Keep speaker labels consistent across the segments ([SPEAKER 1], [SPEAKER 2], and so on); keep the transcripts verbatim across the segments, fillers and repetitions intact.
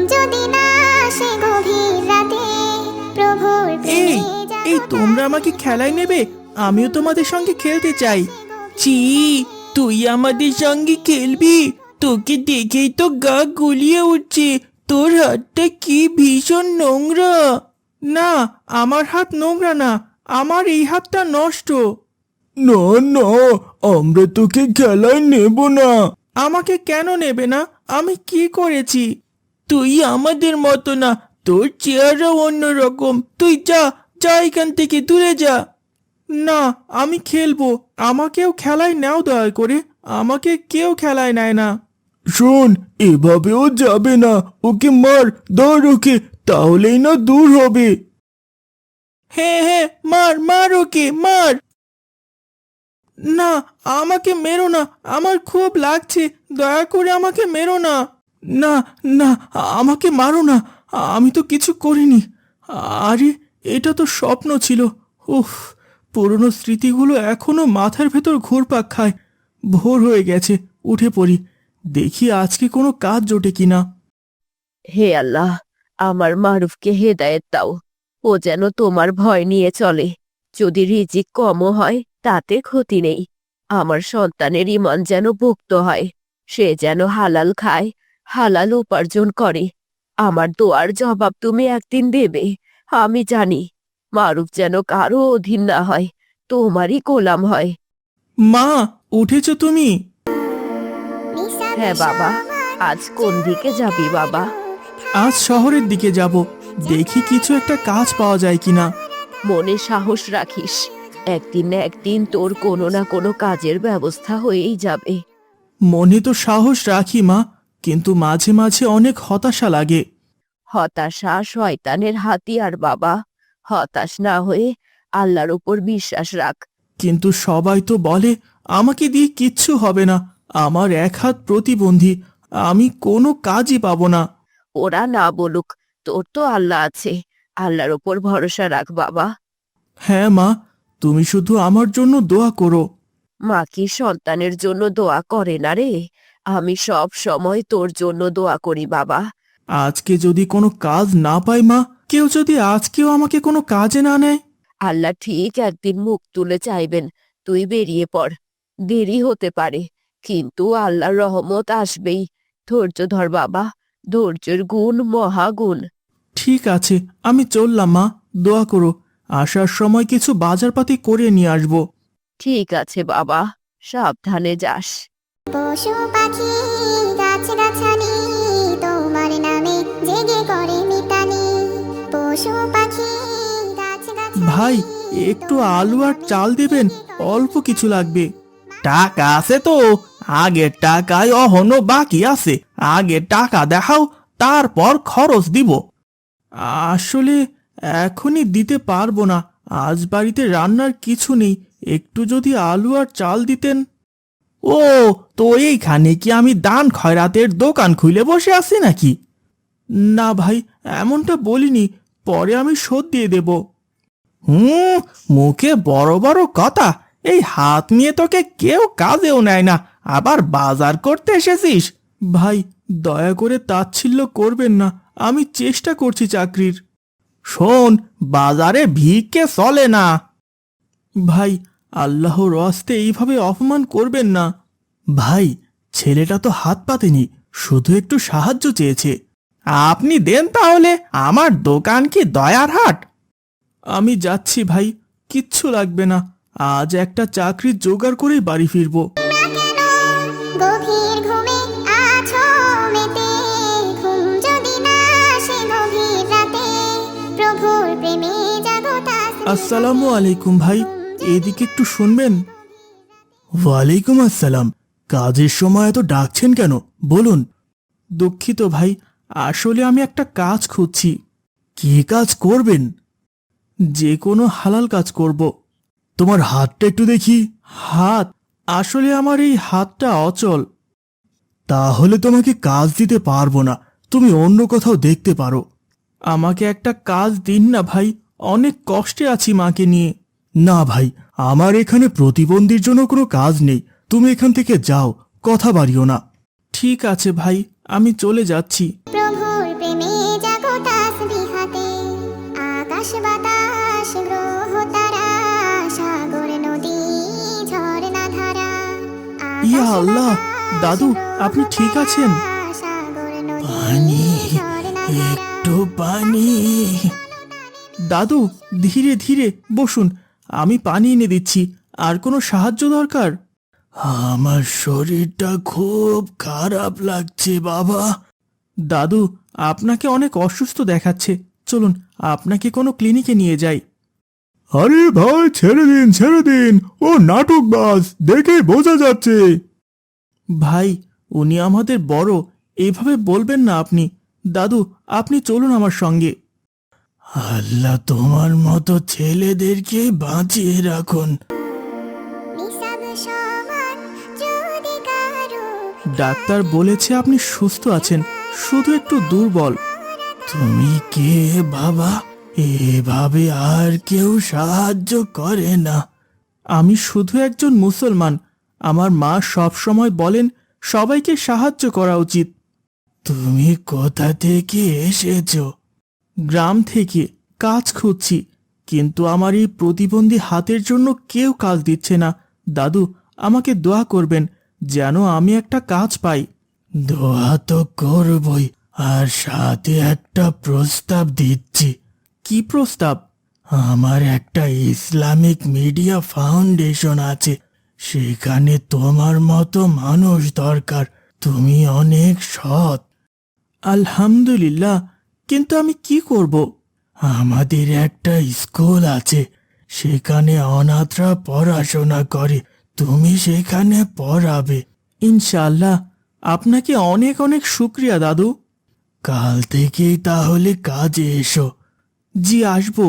[SPEAKER 1] যদি না আসে গভীর রাতে প্রভুর
[SPEAKER 2] এই
[SPEAKER 1] প্রেমে
[SPEAKER 2] এই তোমরা আমাকে খেলায় নেবে? আমিও তোমাদের সঙ্গে খেলতে চাই। চি, তুই আমাদের সঙ্গে খেলবি? তোকে দেখেই তো গা গুলিয়ে উঠছে। তোর হাতটা কি ভীষণ নোংরা। না, আমার হাত নোংরা না, আমার এই হাতটা নষ্ট। না না, আমরা তোকে খেলায় নেব না। আমাকে কেন নেবে না? আমি কি করেছি? তুই আমাদের মতো না, তোর চেহারা অন্যরকম। তুই যা যা এখান থেকে দূরে যা। না, আমি খেলবো, আমাকেও খেলায় নাও দয়া করে। আমাকে কেউ খেলায় নেয় না। শোন, এভাবেও যাবে না, ওকে মার, ধর ওকে, তাহলেই না দূর হবে। হ্যাঁ হ্যাঁ, মার মার ওকে, মার। না, আমাকে মেরো না, আমার খুব লাগছে, দয়া করে আমাকে মেরো না। না না, আমাকে মারো না, আমি তো কিছু করিনি। আরে, এটা তো স্বপ্ন ছিল। উফ, পুরনো স্মৃতিগুলো এখনো মাথার ভেতর ঘুরপাক খায়। ভোর হয়ে গেছে, উঠে পড়ি, দেখি আজকে কোনো কাজ জোটে কিনা।
[SPEAKER 3] হে আল্লাহ, আমার মারুফকে হেদায়েত দাও। ও যেন তোমার ভয় নিয়ে চলে। যদি রিজিক কমও হয় তাতে ক্ষতি নেই। আমার সন্তানের ইমান যেন পোক্ত হয়। সে যেন হালাল খায়, হালাল উপার্জন করে। আমার দোয়ার জবাব তুমি একদিন দেবে, আমি জানি। মারুফ যেন কারো অধীন না হয়, তোমারই গোলাম হয়।
[SPEAKER 2] মা, উঠেছো তুমি?
[SPEAKER 3] হ্যাঁ বাবা, আজ কোন দিকে যাবি বাবা?
[SPEAKER 2] আজ শহরের দিকে যাব, দেখি কিছু একটা কাজ পাওয়া যায় কিনা।
[SPEAKER 3] মনে সাহস রাখিস, একদিন না একদিন তোর কোনো না কোনো কাজের ব্যবস্থা হয়েই যাবে।
[SPEAKER 2] মনে তো সাহস রাখি মা, কিন্তু মাঝে মাঝে অনেক হতাশা লাগে।
[SPEAKER 3] হতাশা শয়তানের হাতিয়ার বাবা। হতাশ না হয়ে আল্লাহর উপর বিশ্বাস রাখ।
[SPEAKER 2] কিন্তু সবাই তো বলে আমাকে দিয়ে কিচ্ছু হবে না, আমার এক হাত প্রতিবন্ধী, আমি কোনো কাজই পাবো না।
[SPEAKER 3] ওরা না বলুক, তোর তো আল্লাহ আছে, আল্লাহর উপর ভরসা রাখ বাবা।
[SPEAKER 2] হ্যাঁ মা, তুমি শুধু আমার জন্য দোয়া করো।
[SPEAKER 3] মা কি সন্তানের জন্য দোয়া করে না রে? আমি সব সময় তোর জন্য দোয়া করি বাবা।
[SPEAKER 2] আজকে যদি কোনো কাজ না পাই মা, কেউ যদি আজকেও আমাকে কোনো কাজে না নেয়।
[SPEAKER 3] আল্লাহ ঠিক একদিন মুখ তুলে চাইবেন, তুই বেরিয়ে পড়। দেরি হতে পারে, কিন্তু আল্লাহর রহমত আসবেই। ধৈর্য ধর বাবা, ধৈর্যের গুণ মহাগুণ।
[SPEAKER 2] ঠিক আছে, আমি চললাম মা, দোয়া করো। আসার সময় কিছু বাজারপাতি করে নিয়ে আসবো।
[SPEAKER 3] ঠিক আছে বাবা, সাবধানে যাস।
[SPEAKER 1] পশু পাখি গাছ গাছালি তোমার নামে জেগে করে মিতালি। পশু পাখি গাছ গাছালি
[SPEAKER 2] ভাই, একটু আলু আর চাল দেবেন, অল্প কিছু লাগবে। টাকা আছে তো? আগের টাকায় অহনো বাকি আছে, আগে টাকা দেখাও, তারপর খরচ দিব। আসলে এখনই দিতে পারবো না, আজ বাড়িতে রান্নার কিছু নেই, একটু যদি আলু আর চাল দিতেন। ও, তো এইখানে কি আমি দান খয়রাতের দোকান খুলে বসে আছি নাকি? না ভাই, এমনটা বলিনি, পরে আমি শোধ দিয়ে দেব। হুম, মুখে বড় বড় কথা, এই হাত নিয়ে তোকে কেউ কাজেও নেয় না, আবার বাজার করতে এসেছিস। ভাই, দয়া করে তাচ্ছিল্য করবেন না, আমি চেষ্টা করছি চাকরির। শোন, বাজারে ভিক্ষে চলে না। ভাই, আল্লাহর রাস্তে এইভাবে অপমান করবেন না। ভাই, ছেলেটা তো হাত পাতেনি, শুধু একটু সাহায্য চেয়েছে। আপনি দেন তাহলে, আমার দোকান কি দয়ার হাট? আমি যাচ্ছি ভাই, কিচ্ছু লাগবে না, আজ একটা চাকরি জোগাড় করেই বাড়ি ফিরবো।
[SPEAKER 1] গভীর ঘুমে আছো মেতে ঘুম যদি না আসে গভীর রাতে প্রভুর প্রেমে জাগো তাসবিহ।
[SPEAKER 2] আসসালামু আলাইকুম ভাই, এদিকে একটু শুনবেন। ওয়ালাইকুম আসসালাম, কাজের সময় এত ডাকছেন কেন, বলুন। দুঃখিত ভাই, আসলে আমি একটা কাজ খুঁজছি। কি কাজ করবেন? যে কোনো হালাল কাজ করব। তোমার হাতটা একটু দেখি। হাত? আসলে আমার এই হাতটা অচল। তাহলে তোমাকে কাজ দিতে পারবো না, তুমি অন্য কোথাও দেখতে পারো। আমাকে একটা কাজ দিন না ভাই, অনেক কষ্টে আছি মাকে নিয়ে। না ভাই, আমার এখানে প্রতিবন্ধীর জন্য কোনো কাজ নেই, তুমি এখান থেকে যাও, কথা বাড়িও না। ঠিক আছে ভাই, আমি চলে যাচ্ছি।
[SPEAKER 1] প্রভুর প্রেমে
[SPEAKER 2] ইয়া আল্লাহ, দাদু আপনি ঠিক আছেন? পানি, একটু পানি। দাদু ধীরে ধীরে বসুন, আমি পানি এনে দিচ্ছি। আর কোনো সাহায্য দরকার? আমার শরীরটা খুব খারাপ লাগছে বাবা। দাদু আপনাকে অনেক অসুস্থ দেখাচ্ছে, চলুন আপনাকে কোনো ক্লিনিকে নিয়ে যাই।
[SPEAKER 4] আরে ভাই, ছেড়ে দিন ছেড়ে দিন, ও নাটকবাজ, দেখে বোঝা যাচ্ছে।
[SPEAKER 2] ভাই উনি আমাদের বড়, এইভাবে বলবেন না আপনি। দাদু আপনি চলুন আমার সঙ্গে। আল্লাহ তোমার মতো ছেলেদেরকে বাঁচিয়ে রাখুন।
[SPEAKER 1] নিসাব সমান যদি কারো
[SPEAKER 2] ডাক্তার বলেছে আপনি সুস্থ আছেন, শুধু একটু দুর্বল। তুমি কে বাবা? এভাবে আর কেউ সাহায্য করে না। আমি শুধু একজন মুসলমান। আমার মা সব সময় বলেন সবাইকে সাহায্য করা উচিত। তুমি কোথা থেকে এসেছো? গ্রাম থেকে, কাজ খুঁজছি, কিন্তু আমার এই প্রতিবন্ধী হাতের জন্য কেউ কাজ দিচ্ছে না। দাদু আমাকে দোয়া করবেন যেন আমি একটা কাজ পাই। দোয়া তো করবই, আর সাথে একটা প্রস্তাব দিচ্ছি। কি প্রস্তাব? আমার একটা ইসলামিক মিডিয়া ফাউন্ডেশন আছে, সেখানে তোমার মতো মানুষ দরকার। তুমি অনেক সৎ। আলহামদুলিল্লাহ, কিন্তু আমি কি করব? আমাদের একটা স্কুল আছে, সেখানে অনাথরা পড়াশোনা করে, তুমি সেখানে পড়াবে। ইনশাআল্লাহ। আপনাকে অনেক অনেক শুক্রিয়া দাদু। কাল থেকেই তাহলে কাজে এসো। জি আসবো।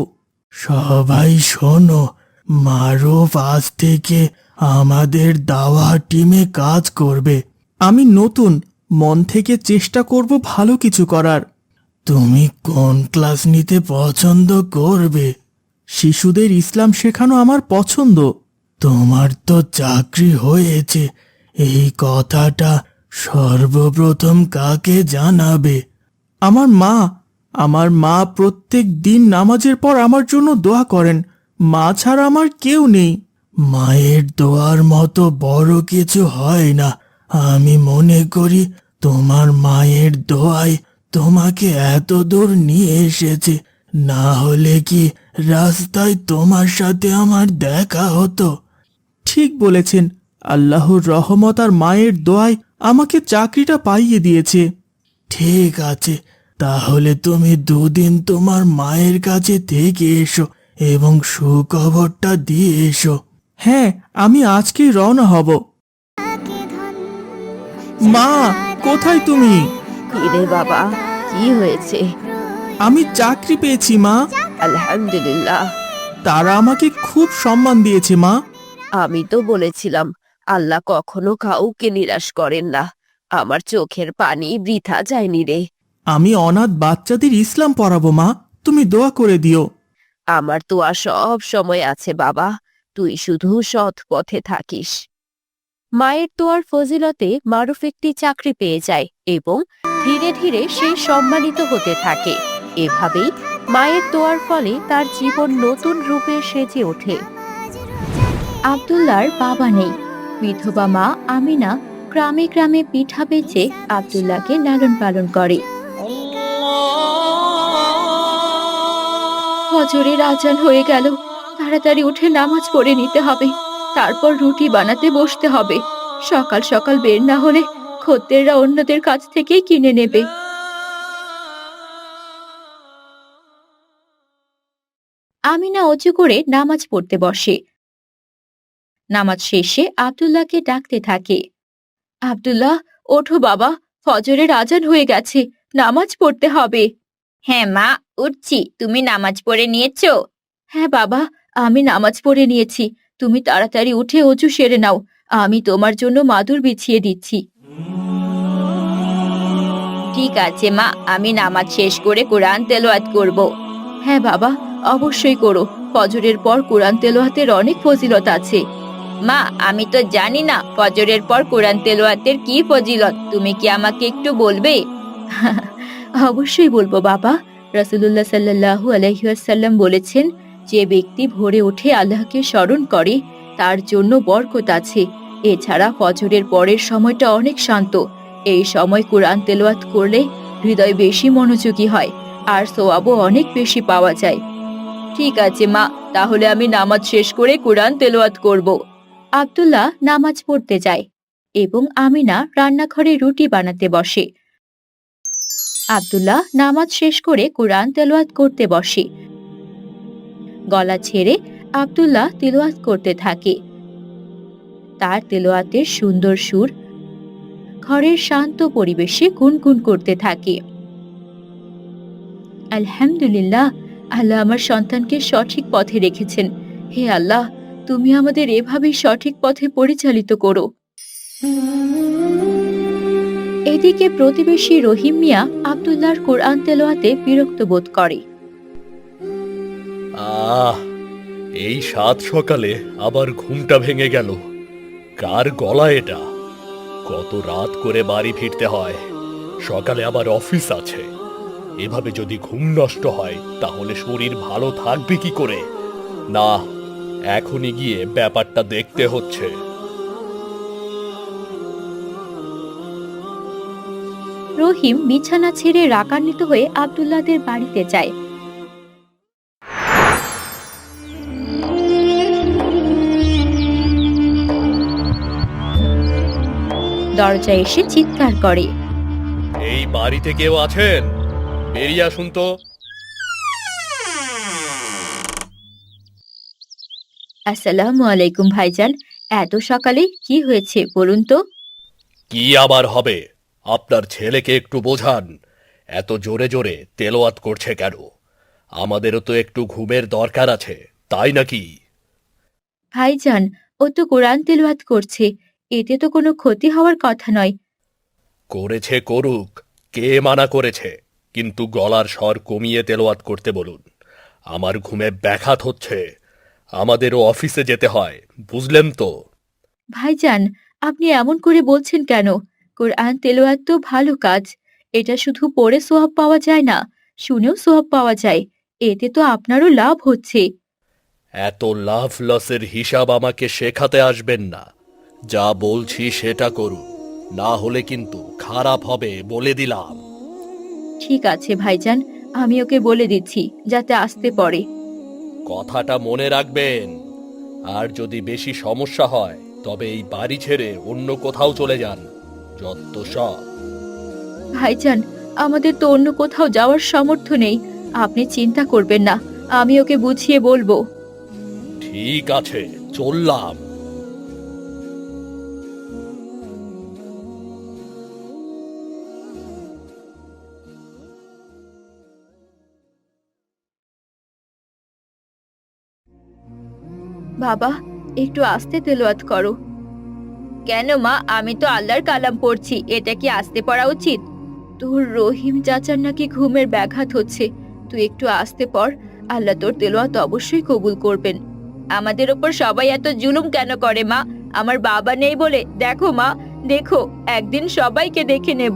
[SPEAKER 2] সবাই শোনো, মারুফ আজ থেকে আমাদের দাওয়া টিমে কাজ করবে। আমি নতুন, মন থেকে চেষ্টা করব ভালো কিছু করার। তুমি কোন ক্লাস নিতে পছন্দ করবে? শিশুদের ইসলাম শেখানো আমার পছন্দ। তোমার তো চাকরি হয়েছে, এই কথাটা সর্বপ্রথম কাকে জানাবে? আমার মা। আমার মা প্রত্যেক দিন নামাজের পর আমার জন্য দোয়া করেন। মা ছাড়া আমার কেউ নেই। মায়ের দোয়ার মতো বড় কিছু হয় না। আমি মনে করি তোমার মায়ের দোয়ায় তোমাকে এত দূর নিয়ে এসেছে, না হলে কি রাস্তায় তোমার সাথে আমার দেখা হতো? ঠিক বলেছেন, আল্লাহর রহমত আর মায়ের দোয়ায় আমাকে চাকরিটা পাইয়ে দিয়েছে। ঠিক আছে, তাহলে তুমি দুদিন তোমার মায়ের কাছে থেকে এসো এবং সুখবরটা দিয়ে এসো। হ্যাঁ, আমি আজকেই রওনা হব। মা, কোথায় তুমি?
[SPEAKER 3] কিরে বাবা, কি হয়েছে?
[SPEAKER 2] আমি চাকরি পেয়েছি মা।
[SPEAKER 3] আলহামদুলিল্লাহ।
[SPEAKER 2] তারা আমাকে খুব সম্মান দিয়েছে মা।
[SPEAKER 3] আমি তো বলেছিলাম আল্লাহ কখনো কাউকে নিরাশ করেন না। আমার চোখের পানি বৃথা যায়নি রে।
[SPEAKER 2] আমি অনাথ বাচ্চাদের ইসলাম পড়াবো মা, তুমি দোয়া করে দিও।
[SPEAKER 3] আমার তো আর সব সময় আছে বাবা, তুই শুধু সৎ পথে থাকিস। মায়ের তোয়ার ফজিলতে মারুফ একটি চাকরি পেয়ে যায় এবং ধীরে ধীরে সে সম্মানিত হতে থাকে। এভাবেই মায়ের দোয়ার ফলে তার জীবন নতুন রূপে সেজে ওঠে।
[SPEAKER 5] আব্দুল্লাহর বাবা নেই। বিধবা মা আমিনা গ্রামে গ্রামে পিঠা বেচে আব্দুল্লাহকে লালন পালন করে। ফজরের আজান হয়ে গেল, তাড়াতাড়ি উঠে নামাজ পড়ে নিতে হবে, তারপর রুটি বানাতে বসতে হবে। সকাল সকাল বের না হলে খদ্দেররা অন্যদের কাছ থেকেই কিনে নেবে। আমিনা অজু করে নামাজ পড়তে বসে। নামাজ শেষে আব্দুল্লাহকে ডাকতে থাকে। আব্দুল্লাহ, ওঠো বাবা, ফজরের আজান হয়ে গেছে, নামাজ পড়তে হবে। হ্যাঁ মা, উঠছি। তুমি নামাজ পড়ে নিয়েছো? হ্যাঁ বাবা, আমি নামাজ পড়ে নিয়েছি। তুমি তাড়াতাড়ি উঠে অজু সেরে নাও, আমি তোমার জন্য মাদুর বিছিয়ে দিচ্ছি। ঠিক আছে মা, আমি নামাজ শেষ করে কোরআন তেলাওয়াত করব। হ্যাঁ বাবা, অবশ্যই করো। ফজরের পর কোরআন তেলাওয়াতের অনেক ফজিলত আছে। মা, আমি তো জানি না ফজরের পর কোরআন তেলাওয়াতের কি ফজিলত, তুমি কি আমাকে একটু বলবে? অবশ্যই বলবো বাবা। রাসূলুল্লাহ সাল্লাল্লাহু আলাইহি ওয়াসাল্লাম বলেছেন, যে ব্যক্তি ভোরে উঠে আল্লাহকে স্মরণ করে তার জন্য বরকত আছে, এছাড়া ফজরের পরের সময়টা অনেক শান্ত। এই সময় কোরআন তেলাওয়াত করলে হৃদয় বেশি মনোযোগী হয় আর সওয়াবও অনেক বেশি পাওয়া যায়। ঠিক আছে মা, তাহলে আমি নামাজ শেষ করে কোরআন তেলাওয়াত করব। আব্দুল্লাহ নামাজ পড়তে যায় এবং আমিনা রান্নাঘরে রুটি বানাতে বসে। আব্দুল্লাহ নামাজ শেষ করে কোরআন তেলাওয়াত করতে বসে। গলা ছেড়ে আব্দুল্লাহ তেলাওয়াত করতে থাকে। তার তেলাওয়াতের সুন্দর সুর ঘরের শান্ত পরিবেশে গুনগুন করতে থাকে। আলহামদুলিল্লাহ, আল্লাহ আমার সন্তানকে সঠিক পথে রেখেছেন। হে আল্লাহ, তুমি আমাদের এভাবেই সঠিক পথে পরিচালিত করো। এদিকে প্রতিবেশী রহিম মিয়া আব্দুল্লাহর কোরআন তেলাওয়াতে বিরক্ত বোধ করে।
[SPEAKER 6] আহ, এই সাত সকালে আবার ঘুমটা ভেঙে গেল। কার গলা এটা? কত রাত করে বাড়ি ফিরতে হয়, সকালে আবার অফিস আছে। এভাবে যদি ঘুম নষ্ট হয় তাহলে শরীর ভালো থাকবে কি করে? না, এখনই গিয়ে ব্যাপারটা দেখতে হচ্ছে।
[SPEAKER 5] রহিম বিছানা ছেড়ে রাগান্বিত হয়ে আব্দুল্লাহদের বাড়িতে যায়। দরজায় এসে চিৎকার করে,
[SPEAKER 6] এই বাড়িতে কেউ আছেন? বেরিয়ে আসুন তো।
[SPEAKER 5] আসসালামু আলাইকুম ভাইজান, এত সকালে কি হয়েছে বলুন তো?
[SPEAKER 6] কি আবার হবে? আপনার ছেলেকে একটু বোঝান, এত জোরে জোরে তেলাওয়াত করছে কেন? আমাদেরও তো একটু ঘুমের দরকার আছে, তাই নাকি?
[SPEAKER 5] ভাইজান, ও তো কোরআন তেলাওয়াত করছে, এতে তো কোনো ক্ষতি হওয়ার কথা নয়।
[SPEAKER 6] করেছে করুক, কে মানা করেছে, কিন্তু গলার স্বর কমিয়ে তেলাওয়াত করতে বলুন। আমার ঘুমে ব্যাঘাত হচ্ছে, আমাদেরও অফিসে যেতে হয়, বুঝলেন তো?
[SPEAKER 5] ভাইজান, আপনি এমন করে বলছেন কেন? কোরআন তেলাওয়াত তো ভালো কাজ, এটা শুধু পড়ে সোয়াব পাওয়া যায় না, শুনেও সোয়াব পাওয়া যায়। এতে তো আপনারও লাভ হচ্ছে।
[SPEAKER 6] এত লাভ লসের হিসাব আমাকে শেখাতে আসবেন না। যা বলছি সেটা করুন, না হলে কিন্তু খারাপ হবে বলে দিলাম।
[SPEAKER 5] ঠিক আছে ভাইজান, আমি ওকে বলে দিচ্ছি যাতে আসতে পড়ে।
[SPEAKER 6] কথাটা মনে রাখবেন। আর যদি বেশি সমস্যা হয় তবে এই বাড়ি ছেড়ে অন্য কোথাও চলে যান, যত সব।
[SPEAKER 5] ভাইজান, আমাদের তো অন্য কোথাও যাওয়ার সামর্থ্য নেই, আপনি চিন্তা করবেন না, আমি ওকে বুঝিয়ে বলবো।
[SPEAKER 6] ঠিক আছে, চললাম।
[SPEAKER 5] বাবা, একটু আস্তে তেলাওয়াত করো। কেন মা, আমি তো আল্লাহর কালাম পড়ছি, এটা কি আস্তে পড়া উচিত? তোর রহিম চাচার নাকি ঘুমের ব্যাঘাত হচ্ছে, তুই একটু আস্তে পড়, আল্লাহ তোর তেলাওয়াত অবশ্যই কবুল করবেন। আমাদের ওপর সবাই এত জুলুম কেন করে মা? আমার বাবা নেই বলে? দেখো মা, দেখো, একদিন সবাইকে দেখে নেব।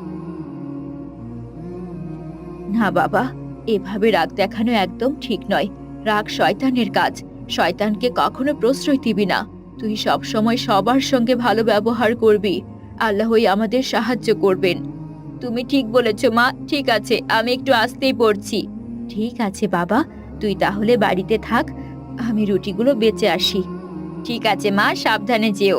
[SPEAKER 5] না বাবা, এভাবে রাগ দেখানো একদম ঠিক নয়। রাগ শয়তানের কাজ, শয়তানকে কখনো প্রশ্রয় দিবি না। তুই সব সময় সবার সঙ্গে ভালো ব্যবহার করবি, আল্লাহই আমাদের সাহায্য করবেন। তুমি ঠিক বলেছ মা, ঠিক আছে, আমি একটু আস্তেই পড়ছি। ঠিক আছে বাবা, তুই তাহলে বাড়িতে থাক, আমি রুটিগুলো বেঁচে আসি। ঠিক আছে মা, সাবধানে যেও।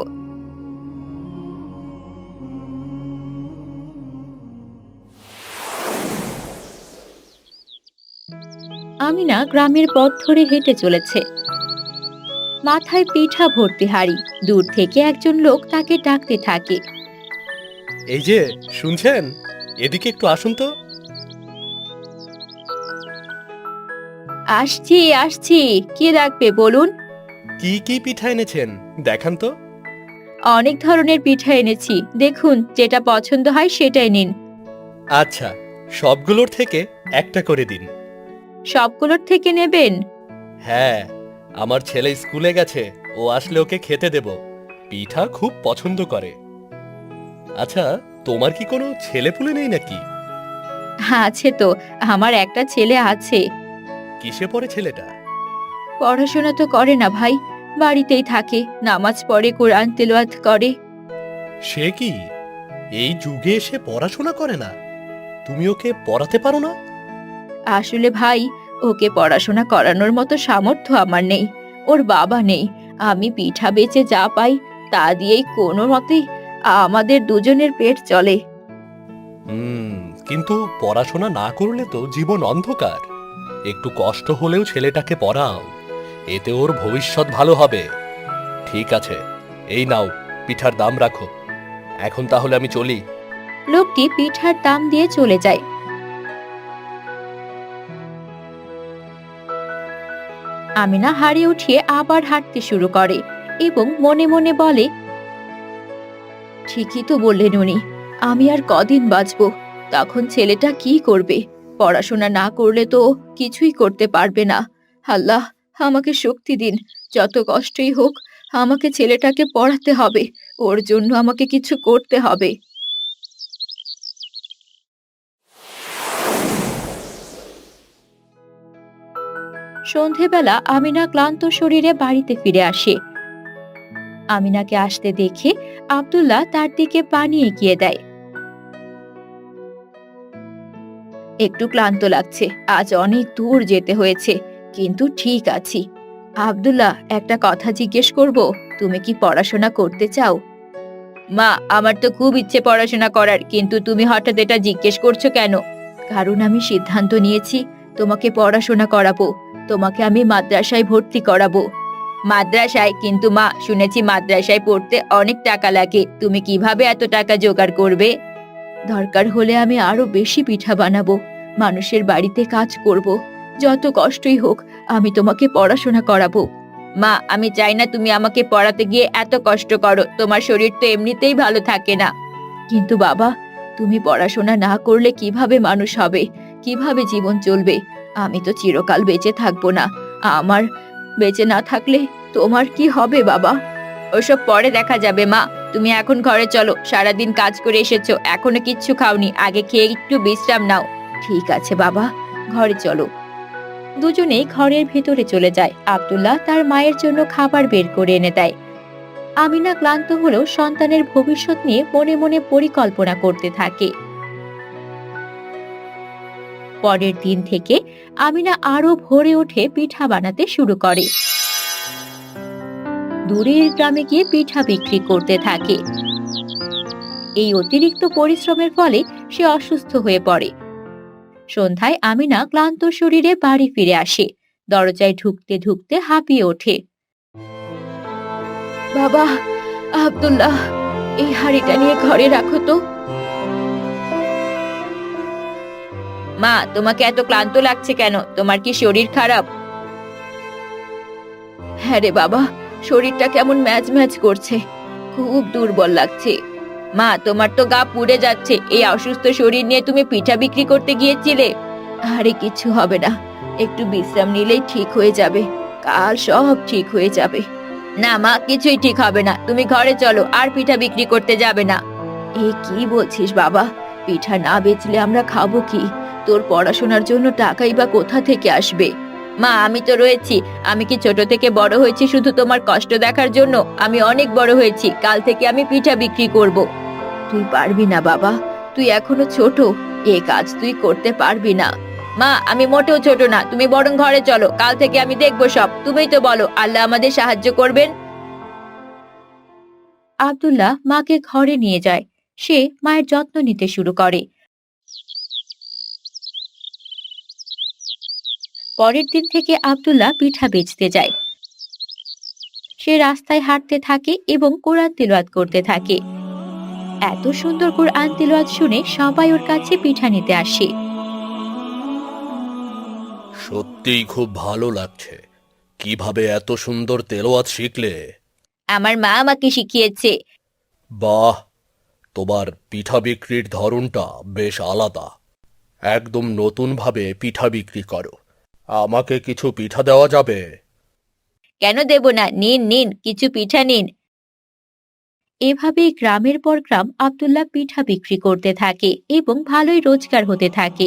[SPEAKER 5] আমিনা গ্রামের পথ ধরে হেঁটে চলেছে, মাথায় পিঠা ভর্তি হাড়ি। দূর থেকে একজন লোক তাকে ডাকতে থাকে।
[SPEAKER 6] এই যে, শুনছেন? এদিকে একটু আসুন তো।
[SPEAKER 5] আসছি আসছি, কি রাখবে বলুন?
[SPEAKER 6] কি কি পিঠা এনেছেন দেখান তো।
[SPEAKER 5] অনেক ধরনের পিঠা এনেছি, দেখুন যেটা পছন্দ হয় সেটাই নিন।
[SPEAKER 6] আচ্ছা, সবগুলোর থেকে একটা করে দিন।
[SPEAKER 5] সবগুলোর থেকে নেবেন?
[SPEAKER 6] হ্যাঁ, আমার ছেলে স্কুলে গেছে, ও আসলে ওকে খেতে দেব। পিঠা খুব পছন্দ করে। আচ্ছা, তোমার কি কোনো ছেলেপুলে নেই নাকি?
[SPEAKER 5] আছে তো, আমার একটা ছেলে আছে।
[SPEAKER 6] কিসে পড়ে ছেলেটা?
[SPEAKER 5] পড়াশোনা তো করে না ভাই, বাড়িতেই থাকে, নামাজ পড়ে, কোরআন তেলাওয়াত করে।
[SPEAKER 6] সে কি এই যুগে এসে পড়াশোনা করে না? তুমি ওকে পড়াতে পারো না?
[SPEAKER 5] আসলে ভাই, ওকে পড়াশোনা করানোর মতো সামর্থ্য আমার নেই, ওর বাবা নেই। আমি পিঠা বেচে যা পাই তা দিয়েই কোনো মতে আমাদের দুজনের পেট চলে।
[SPEAKER 6] হুম, কিন্তু পড়াশোনা না করলে তো জীবন অন্ধকার। একটু কষ্ট হলেও ছেলেটাকে পড়াও, এতে ওর ভবিষ্যৎ ভালো হবে। ঠিক আছে, এই নাও, পিঠার দাম রাখো। এখন তাহলে আমি চলি।
[SPEAKER 5] লোকটি পিঠার দাম দিয়ে চলে যায়। আমিনা হাড়ি উঠিয়ে আবার হাঁটতে শুরু করে এবং মনে মনে বলে, ঠিকই তো বললেন উনি, আমি আর কদিন বাঁচবো? তখন ছেলেটা কি করবে? পড়াশোনা না করলে তো ও কিছুই করতে পারবে না। আল্লাহ, আমাকে শক্তি দিন। যত কষ্টই হোক, আমাকে ছেলেটাকে পড়াতে হবে, ওর জন্য আমাকে কিছু করতে হবে। সন্ধেবেলা আমিনা ক্লান্ত শরীরে বাড়িতে ফিরে আসে। আমিনাকে আসতে দেখে আব্দুল্লাহ তার দিকে পানি এগিয়ে দেয়। একটু ক্লান্ত লাগছে, আজ অনেক দূর যেতে হয়েছে, কিন্তু ঠিক আছি। আব্দুল্লাহ, একটা কথা জিজ্ঞেস করব, তুমি কি পড়াশোনা করতে চাও? মা, আমার তো খুব ইচ্ছে পড়াশোনা করার, কিন্তু তুমি হঠাৎ এটা জিজ্ঞেস করছো কেন? কারণ আমি সিদ্ধান্ত নিয়েছি তোমাকে পড়াশোনা করাবো, তোমাকে আমি মাদ্রাসায় ভর্তি করাবো। মাদ্রাসায়? কিন্তু মা, শুনেছি মাদ্রাসায় পড়তে অনেক টাকা লাগে, তুমি কিভাবে এত টাকা জোগাড় করবে? দরকার হলে আমি আরো বেশি পিঠা বানাবো, মানুষের বাড়িতে কাজ করব, যত কষ্টই হোক আমি তোমাকে পড়াশোনা করাবো। মা, আমি চাই না তুমি আমাকে পড়াতে গিয়ে এত কষ্ট করো, তোমার শরীর তো এমনিতেই ভালো থাকে না। কিন্তু বাবা, তুমি পড়াশোনা না করলে কিভাবে মানুষ হবে, কিভাবে জীবন চলবে? আমি তো চিরকাল বেঁচে থাকবো না, আমার বেঁচে না থাকলে তোমার কি হবে বাবা? ওসব পরে দেখা যাবে মা, তুমি এখন ঘরে চলো, সারাদিন কাজ করে এসেছো, এখনো কিচ্ছু খাওনি, আগে খেয়ে একটু বিশ্রাম নাও। ঠিক আছে বাবা, ঘরে চলো। দুজনেই ঘরের ভেতরে চলে যায়। আব্দুল্লাহ তার মায়ের জন্য খাবার বের করে এনে দেয়। আমিনা ক্লান্ত হলেও সন্তানের ভবিষ্যৎ নিয়ে মনে মনে পরিকল্পনা করতে থাকে। পরের দিন থেকে আমিনা আরো ভোরে উঠে পিঠা বানাতে শুরু করে। দূরের গ্রামে গিয়ে পিঠা বিক্রি করতে থাকে। এই অতিরিক্ত পরিশ্রমের ফলে সে অসুস্থ হয়ে পড়ে। সন্ধ্যায় আমিনা ক্লান্ত শরীরে বাড়ি ফিরে আসে। দরজায় ঢুকতে ঢুকতে হাঁপিয়ে ওঠে। বাবা, আব্দুল্লাহ, এই হাঁড়িটা নিয়ে ঘরে রাখো তো। মা, তোমাকে এত ক্লান্ত লাগছে কেন? তোমার কি শরীর খারাপ? হ্যাঁ রে বাবা, শরীরটা কেমন ম্যাজ ম্যাজ করছে, খুব দুর্বল লাগছে। মা, তোমার তো গা পুড়ে যাচ্ছে, এই অসুস্থ শরীর নিয়ে তুমি পিঠা বিক্রি করতে গিয়েছিলে? আরে কিছু হবে না, একটু বিশ্রাম নিলেই ঠিক হয়ে যাবে, কাল সব ঠিক হয়ে যাবে। না মা, কিছুই ঠিক হবে না, তুমি ঘরে চলো, আর পিঠা বিক্রি করতে যাবে না। এ কি বলছিস বাবা? পিঠা না বেচলে আমরা খাবো কি? তোর পড়াশোনার জন্য টাকাই বা কোথা থেকে আসবে? মা, আমি তো রয়েছি, আমি কি ছোট থেকে বড় হয়েছি শুধু তোমার কষ্ট দেখার জন্য? আমি অনেক বড় হয়েছি, কাল থেকে আমি পিঠা বিক্রি করব। তুই পারবি না বাবা, তুই এখনো ছোট, এ কাজ তুই করতে পারবি না। মা, আমি মোটেও ছোট না, তুমি বরং ঘরে চলো, কাল থেকে আমি দেখবো সব। তুমিই তো বলো আল্লাহ আমাদের সাহায্য করবেন। আব্দুল্লাহ মাকে ঘরে নিয়ে যায়। সে মায়ের যত্ন নিতে শুরু করে। পরের দিন থেকে আব্দুল্লাহ পিঠা বেচতে যায়। সে রাস্তায় হাঁটতে থাকে এবং কোরআন তিলাওয়াত করতে থাকে। এত সুন্দর কোরআন তিলাওয়াত শুনে সবাই ওর কাছে পিঠা নিতে আসে।
[SPEAKER 6] সত্যিই খুব ভালো লাগছে। কিভাবে এত সুন্দর তেলাওয়াত শিখলে?
[SPEAKER 5] আমার মা আমাকে শিখিয়েছে।
[SPEAKER 6] বাহ, তোমার পিঠা বিক্রির ধরনটা বেশ আলাদা। একদম নতুন ভাবে পিঠা বিক্রি করো। আমাকে কিছু পিঠা দেওয়া যাবে?
[SPEAKER 5] কেন দেব না, নিন নিন, কিছু পিঠা নিন। এভাবেই গ্রামের পর গ্রাম আব্দুল্লাহ পিঠা বিক্রি করতে থাকে এবং ভালোই রোজগার হতে থাকে।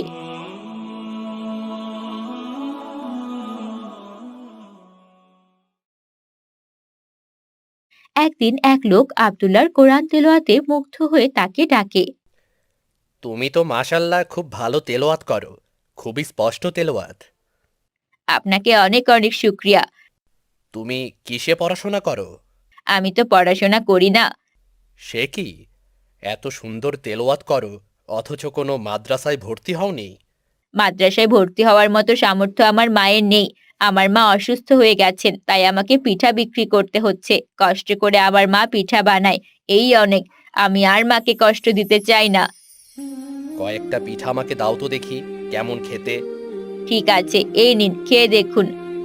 [SPEAKER 5] একদিন এক লোক আব্দুল্লাহর কোরআন তেলাওয়াতে মুগ্ধ হয়ে তাকে ডাকে।
[SPEAKER 6] তুমি তো মাশাল্লাহ খুব ভালো তেলাওয়াত করো, খুবই স্পষ্ট তেলাওয়াত।
[SPEAKER 5] আপনাকে অনেক অনেক শুকরিয়া।
[SPEAKER 6] তুমি কিসে পড়াশোনা করো?
[SPEAKER 5] আমি তো পড়াশোনা করি না।
[SPEAKER 6] সে কি, এত সুন্দর তেলাওয়াত করো অথচ কোনো মাদ্রাসায় ভর্তি হওনি?
[SPEAKER 5] মাদ্রাসায় ভর্তি হওয়ার মতো সামর্থ্য আমার মায়ের নেই। আমার মা অসুস্থ হয়ে গেছেন, তাই আমাকে পিঠা বিক্রি করতে হচ্ছে। কষ্ট করে আমার মা পিঠা বানায়, এই অনেক। আমি আর মাকে কষ্ট দিতে চাই না।
[SPEAKER 6] কয়েকটা পিঠা আমাকে দাও তো দেখি, কেমন খেতে।
[SPEAKER 5] ঠিক আছে, এই নিন, খেয়ে দেখুন।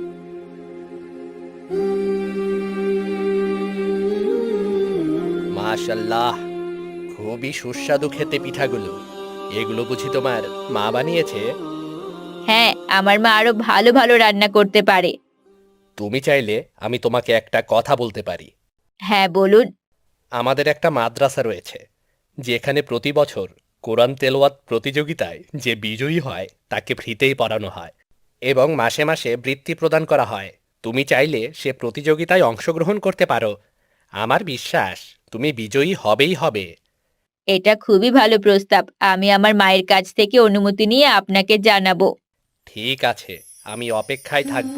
[SPEAKER 6] মাশাল্লাহ, খুবই সুস্বাদু খেতে পিঠাগুলো। এগুলো বুঝি তোমার মা বানিয়েছে?
[SPEAKER 5] হ্যাঁ, আমার মা আরো ভালো ভালো রান্না করতে পারে।
[SPEAKER 6] তুমি চাইলে আমি তোমাকে একটা কথা বলতে পারি।
[SPEAKER 5] হ্যাঁ, বলুন।
[SPEAKER 6] আমাদের একটা মাদ্রাসা রয়েছে, যেখানে প্রতি বছর কোরআন তেলাওয়াত প্রতিযোগিতায় যে বিজয়ী হয় তাকে ফ্রিতেই পড়ানো হয় এবং মাসে মাসে বৃত্তি প্রদান করা হয়। তুমি চাইলে সে প্রতিযোগিতায় অংশগ্রহণ করতে পারো। আমার বিশ্বাস তুমি বিজয়ী হবেই হবে।
[SPEAKER 5] এটা খুবই ভালো প্রস্তাব। আমি আমার মায়ের কাছ থেকে অনুমতি নিয়ে আপনাকে জানাবো।
[SPEAKER 6] ঠিক আছে, আমি অপেক্ষায় থাকব।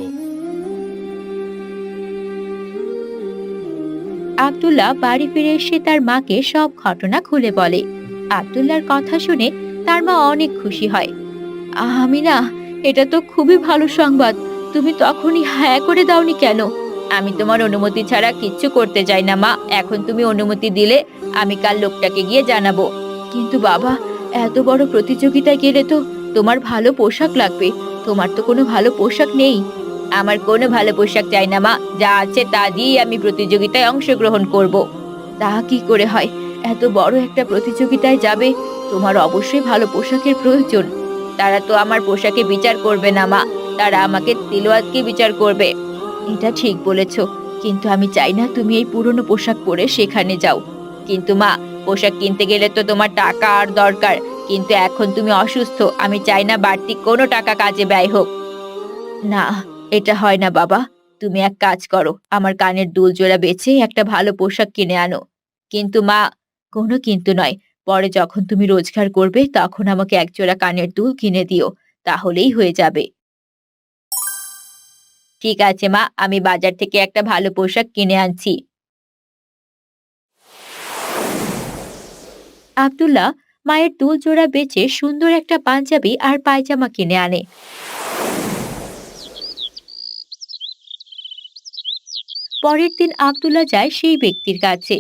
[SPEAKER 5] আব্দুল্লাহ বাড়ি ফিরে এসে তার মাকে সব ঘটনা খুলে বলে। আব্দুল্লাহর কথা শুনে তার মা অনেক খুশি হয়। আমি না, এটা তো খুবই ভালো সংবাদ। তুমি তখনই হ্যাঁ করে দাওনি কেন? আমি তোমার অনুমতি ছাড়া কিচ্ছু করতে চাই না মা। এখন তুমি অনুমতি দিলে আমি কাল লোকটাকে গিয়ে জানাবো। কিন্তু বাবা, এত বড় প্রতিযোগিতায় গেলে তো তোমার ভালো পোশাক লাগবে। তোমার তো কোনো ভালো পোশাক নেই। আমার কোনো ভালো পোশাক চাই না মা, যা আছে তা দিয়েই আমি প্রতিযোগিতায় অংশগ্রহণ করব। তা কি করে হয়? এত বড় একটা প্রতিযোগিতায় যাবে, তোমার অবশ্যই ভালো পোশাকের প্রয়োজন। তারা তো আমার পোশাকে বিচার করবে না মা, তারা আমাকে তিলওয়াতকে বিচার করবে। এটা ঠিক বলেছ, কিন্তু আমি চাই না তুমি এই পুরনো পোশাক পরে সেখানে যাও। কিন্তু মা, পোশাক কিনতে গেলে তো তোমার টাকা আর দরকার। কিন্তু এখন তুমি অসুস্থ, আমি চাই না বাড়তি কোনো টাকা কাজে ব্যয় হোক। না, এটা হয় না বাবা। তুমি এক কাজ করো, আমার কানের দুল জোড়া বেচে একটা ভালো পোশাক কিনে আনো। কিন্তু মা, কোনো কিন্তু নয়। পরে যখন তুমি রোজগার করবে তখন আমাকে এক জোড়া কানের দুল কিনে দিও, তাহলেই হয়ে যাবে। ঠিক আছে মা, আমি বাজার থেকে একটা ভালো পোশাক কিনে আনছি। আব্দুল্লাহ মায়ের দুল জোড়া বেচে সুন্দর একটা পাঞ্জাবি আর পায়জামা কিনে আনে। পরের দিন আব্দুল্লাহ যায় সেই ব্যক্তির কাছে।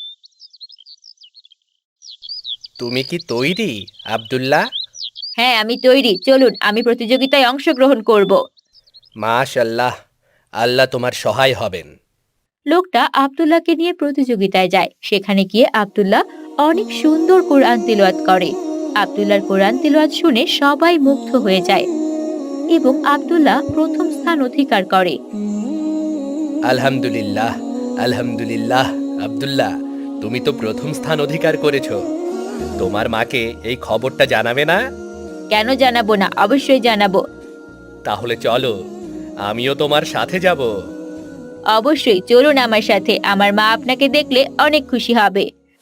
[SPEAKER 6] তুমি কি তৈরি, আব্দুল্লাহ?
[SPEAKER 5] হ্যাঁ, আমি তৈরি। চলুন, আমি প্রতিযোগিতায় অংশগ্রহণ করব।
[SPEAKER 6] মাশাল্লাহ, আল্লাহ তোমার সহায় হবেন।
[SPEAKER 5] লোকটা আব্দুল্লাহকে নিয়ে প্রতিযোগিতায় যায়। সেখানে গিয়ে আব্দুল্লাহ অনেক সুন্দর কোরআন তিলাওয়াত করে। আব্দুল্লাহর কোরআন তিলাওয়াত শুনে সবাই মুগ্ধ হয়ে যায় এবং আব্দুল্লাহ প্রথম স্থান অধিকার করে।
[SPEAKER 6] আলহামদুলিল্লাহ, আলহামদুলিল্লাহ। আব্দুল্লাহ, তুমি তো প্রথম স্থান অধিকার করেছো। তোমার মাকে এই খবরটা জানাবে না?
[SPEAKER 5] কেন জানাবো না, অবশ্যই জানাবো।
[SPEAKER 6] তাহলে চলো, আমিও তোমার সাথে যাব।
[SPEAKER 5] অবশ্যই চলুন আমার সাথে, আমার মা আপনাকে দেখলে অনেক খুশি হবে।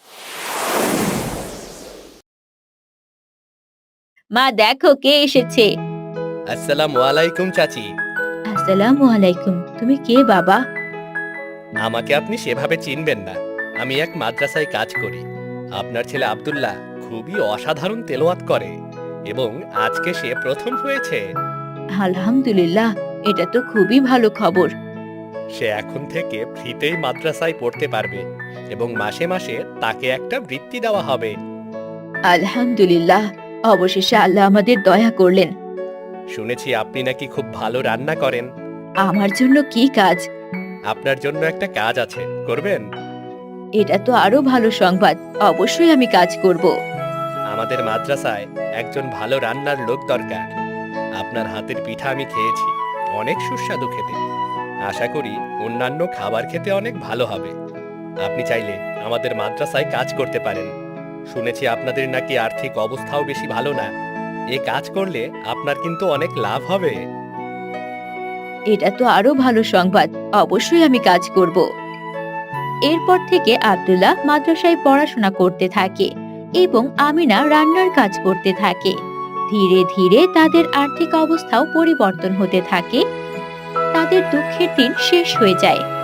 [SPEAKER 5] মা দেখো কে এসেছে।
[SPEAKER 6] আসসালামু আলাইকুম চাচি।
[SPEAKER 5] আসসালামু আলাইকুম। তুমি কে বাবা?
[SPEAKER 6] আমাকে আপনি সেভাবে চিনবেন না, আমি এক মাদ্রাসায় কাজ করি। আপনার ছেলে আব্দুল্লাহ খুবই অসাধারণ তেলাওয়াত করে এবং আজকে সে প্রথম হয়েছে।
[SPEAKER 5] আলহামদুলিল্লাহ, এটা তো খুবই ভালো খবর।
[SPEAKER 6] সে এখন থেকে ফ্রিতেই মাদ্রাসায় পড়তে পারবে এবং মাসে মাসে তাকে একটা বৃত্তি দেওয়া হবে।
[SPEAKER 5] আলহামদুলিল্লাহ, অবশেষে আল্লাহ আমাদের দয়া করলেন।
[SPEAKER 6] শুনেছি আপনি নাকি খুব ভালো রান্না করেন।
[SPEAKER 5] আমার জন্য কি কাজ?
[SPEAKER 6] আপনার জন্য একটা কাজ আছে, করবেন?
[SPEAKER 5] এটা তো আরো ভালো সংবাদ, অবশ্যই আমি কাজ করব।
[SPEAKER 6] আমাদের মাদ্রাসায় একজন ভালো রান্নার লোক দরকার। আপনার হাতের পিঠা আমি খেয়েছি, অনেক সুস্বাদু খেতে। আশা করি অন্যান্য খাবার খেতে অনেক ভালো হবে। আপনি চাইলে আমাদের মাদ্রাসায় কাজ করতে পারেন। শুনেছি আপনাদের নাকি আর্থিক অবস্থাও বেশি ভালো না। এ কাজ করলে আপনার কিন্তু অনেক লাভ হবে।
[SPEAKER 5] এটা তো আরো ভালো সংবাদ, অবশ্যই আমি কাজ করব। এরপর থেকে আব্দুল্লাহ মাদ্রাসায় পড়াশোনা করতে থাকে এবং আমিনা রান্নার কাজ করতে থাকে। ধীরে ধীরে তাদের আর্থিক অবস্থাও পরিবর্তন হতে থাকে। তাদের দুঃখের দিন শেষ হয়ে যায়।